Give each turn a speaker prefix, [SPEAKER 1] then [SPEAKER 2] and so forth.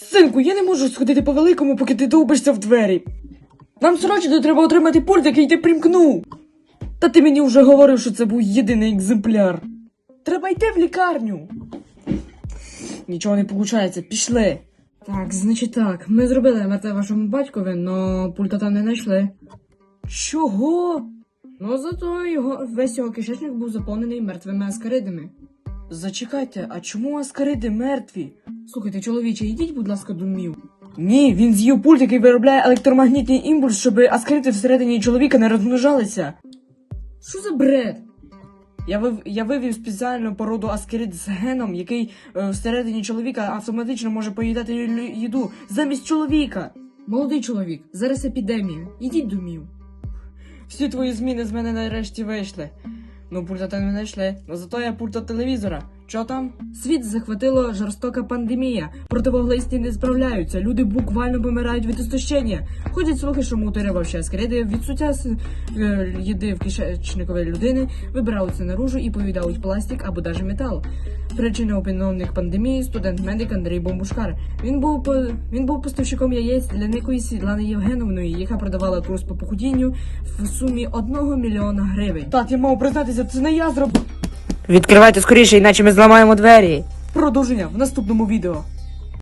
[SPEAKER 1] Синку, я не можу сходити по великому, поки ти довбишся в двері. Нам срочно треба отримати пульт, який ти примкнув. Та ти мені вже говорив, що це був єдиний екземпляр. Треба йти в лікарню. Нічого не виходить, пішли. Так, значить так, ми зробили МРТ вашому батькові, но пульта там не знайшли. Чого? Ну, зато весь його кишечник був заповнений мертвими аскаридами. Зачекайте, а чому аскариди мертві? Слухайте, чоловіче, йдіть, будь ласка, до мів. Ні, він з'їв пульт, який виробляє електромагнітний імпульс, щоб аскариди всередині чоловіка не розмножалися. Що за бред? Я вивів спеціальну породу аскарид з геном, який всередині чоловіка автоматично може поїдати їду замість чоловіка. Молодий чоловік, зараз епідемія. Ідіть до мів. Всі твої зміни з мене нарешті вийшли. Ну, пульта не знайшли, но зато є пульт від телевізора. Чо там? Світ захватила жорстока пандемія. Противоглисті не справляються, люди буквально помирають від істощення. Ходять слухи, що мутирувавши аскариди відсуття їди в кишечникової людини, вибираються наружу і поїдають пластик або даже метал. Причина опиновних пандемії – студент-медик Андрій Бомбушкар. Він був поставщиком яєць для некої Світлани Євгеновної, яка продавала курс по похудінню в сумі 1 мільйона гривень. Так, я мав признатися, це не я зробив.
[SPEAKER 2] Відкривайте скоріше, іначе ми зламаємо двері.
[SPEAKER 1] Продовження в наступному відео.